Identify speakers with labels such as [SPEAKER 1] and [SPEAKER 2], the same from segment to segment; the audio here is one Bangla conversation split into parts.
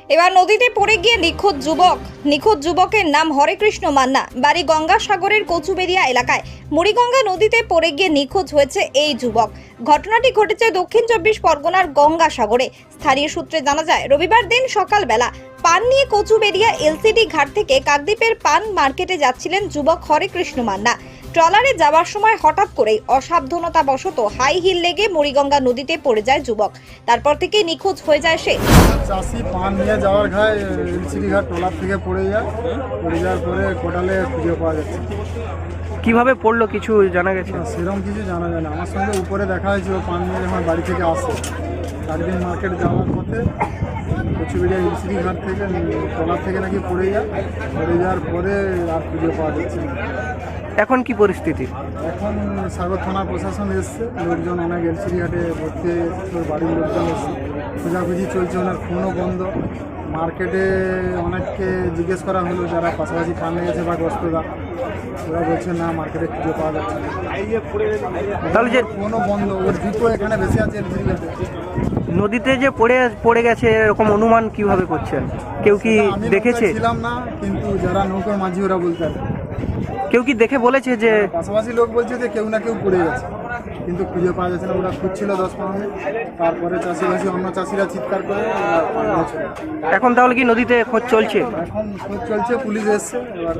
[SPEAKER 1] এবার নদীতে পড়ে গিয়ে নিখোঁজ যুবকের নাম হরেকৃষ্ণ মান্না, বাড়ি গঙ্গাসাগরের কচুবেড়িয়া এলাকায়। মুড়িগঙ্গা নদীতে পড়ে গিয়ে নিখোঁজ হয়েছে এই যুবক। ঘটনাটি ঘটেছে দক্ষিণ 24 পরগনার গঙ্গাসাগরে। স্থানীয় সূত্রে জানা যায়, রবিবার দিন সকালবেলা পান নিয়ে কচুবেড়িয়া এলসিডি ঘাট থেকে কাকদ্বীপের পান মার্কেটে যাচ্ছিলেন যুবক হরেকৃষ্ণ মান্না। ট্রলারে যাওয়ার সময় হঠাৎ করেই অসাবধানতাবশত হাই হিল লেগে মুড়িগঙ্গা নদীতে পড়ে যায় যুবক। তারপর থেকে নিখোঁজ হয়ে যায় সে।
[SPEAKER 2] চাষি পান নিয়ে যাওয়ার ঘায় এলসিডি ঘাট ট্রলার থেকে পড়ে যাওয়ার পরে কোটালে খুঁজে পাওয়া যাচ্ছে।
[SPEAKER 3] কিভাবে পড়লো কিছু জানা গেছে?
[SPEAKER 2] সেরকম কিছু জানা যায় না। আমার সঙ্গে উপরে দেখা হয়েছিল পান নিয়ে যখন বাড়ি থেকে আসে, কাকদ্বীপ মার্কেট যাওয়ার পথে কচুবেড়িয়া এলসিডি ঘাট থেকে ট্রলার থেকে নাকি পড়ে যাওয়ার পরে আর খুঁজে পাওয়া যাচ্ছে না।
[SPEAKER 3] এখন কি পরিস্থিতি?
[SPEAKER 2] এখন সাগর থানা প্রশাসন এসছে, লোকজন অনেক এলসিডি ঘাটে ভর্তি হয়ে বাড়ির লোকজন এসছে, খোঁজাখুঁজি চলছে। ওনার ফোনও বন্ধ। মার্কেটে অনেককে জিজ্ঞেস করা হলো যারা পাশাপাশি পান লেগেছে বা গ্রস্তরা, ওরা বলছে না মার্কেটে খুঁজে পাওয়া যাচ্ছে না।
[SPEAKER 3] তাহলে যে
[SPEAKER 2] ফোনও বন্ধ, ওর জুতো এখানে বেশি আছে এলসিডি ঘাটে।
[SPEAKER 3] নদীতে যে পড়ে গেছে এরকম অনুমান কিভাবে করছেন? কেউ কি
[SPEAKER 2] আমি
[SPEAKER 3] দেখেছে?
[SPEAKER 2] ছিলাম না, কিন্তু যারা নৌকার মাঝি ওরা বলতে পারে।
[SPEAKER 3] কেউ কি দেখে বলেছে যে?
[SPEAKER 2] পাশাপাশি লোক বলছে যে কেউ না কেউ পড়ে গেছে, কিন্তু খুঁজে পাওয়া যাচ্ছে না। ওরা খুঁজছিল 10-15 মিনিট, তারপরে চাষিবাসী অন্য চাষিরা চিৎকার করে পাঠিয়েছিল।
[SPEAKER 3] এখন তাহলে কি নদীতে খোঁজ চলছে?
[SPEAKER 2] এখন খোঁজ চলছে, পুলিশ এসছে। এবার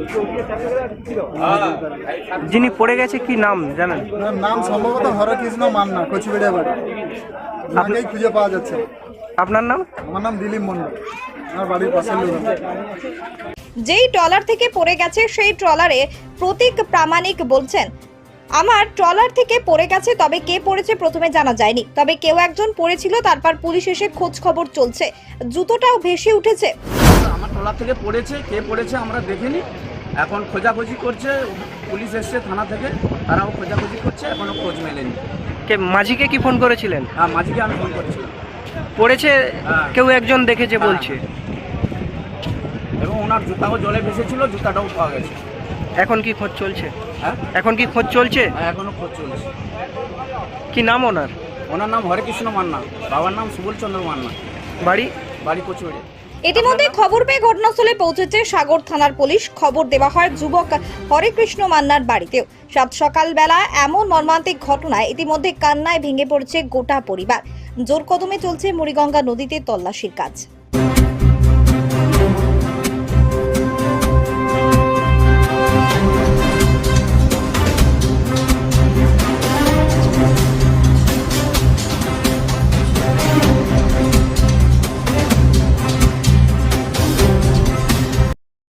[SPEAKER 3] যিনি পড়ে গেছে কি নাম জানেন?
[SPEAKER 2] ওনার নাম সম্ভবত হরেকৃষ্ণ মান্না, কচুবেড়িয়া বাড়ি। ওনাকেই খুঁজে পাওয়া যাচ্ছে না।
[SPEAKER 3] আপনার নাম?
[SPEAKER 2] আমার নাম দিলীপ মন্ডল, আমার বাড়ির পাশের লোক।
[SPEAKER 1] যেই ট্রলার থেকে পড়ে গেছে সেই ট্রলারে প্রতীক প্রামাণিক বলছেন, আমার ট্রলার থেকে পড়ে গেছে, তবে কে পড়েছে প্রথমে জানা যায়নি, তবে কেউ একজন পড়েছিল। তারপর পুলিশ এসে খোঁজ খবর চলছে। জুতোটাও ভেসে উঠেছে।
[SPEAKER 4] আমার ট্রলার থেকে পড়েছে, কে পড়েছে আমরা দেখিনি। এখন খোঁজাখুঁজি করছে, পুলিশ এসছে থানা থেকে, তারাও খোঁজাখুঁজি করছে, এখনো খোঁজ মেলেনি।
[SPEAKER 3] কে মাঝিকে কি ফোন করেছিলেন?
[SPEAKER 4] হ্যাঁ, মাঝিকে আমি ফোন করছিলাম।
[SPEAKER 3] পড়েছে
[SPEAKER 4] হ্যাঁ।
[SPEAKER 3] কেউ একজন দেখেছে
[SPEAKER 4] হ্যাঁ।
[SPEAKER 3] বলছে।
[SPEAKER 4] এবং ওনার জুতাও জলে ভেসেছিল, জুতাটাও পাওয়া গেছে।
[SPEAKER 3] এখন কি খোঁজ চলছে?
[SPEAKER 4] হ্যাঁ,
[SPEAKER 3] এখন কি খোঁজ চলছে?
[SPEAKER 4] হ্যাঁ, এখনো খোঁজ চলছে।
[SPEAKER 3] কি নাম ওনার?
[SPEAKER 4] ওনার নাম হরেকৃষ্ণ মান্না, বাবার নাম সুবল চন্দ্র মান্না, বাড়ি কচুবেড়িয়া।
[SPEAKER 1] ইতিমধ্যে খবর পেয়ে ঘটনাস্থলে পৌঁছেছে সাগর থানার পুলিশ। খবর দেওয়া হয় যুবক হরেকৃষ্ণ মান্নার বাড়িতেও। সাত সকালবেলা এমন মর্মান্তিক ঘটনায় ইতিমধ্যে কান্নায় ভেঙে পড়েছে গোটা পরিবার। জোর কদমে চলছে মুড়িগঙ্গা নদীতে তল্লাশির কাজ।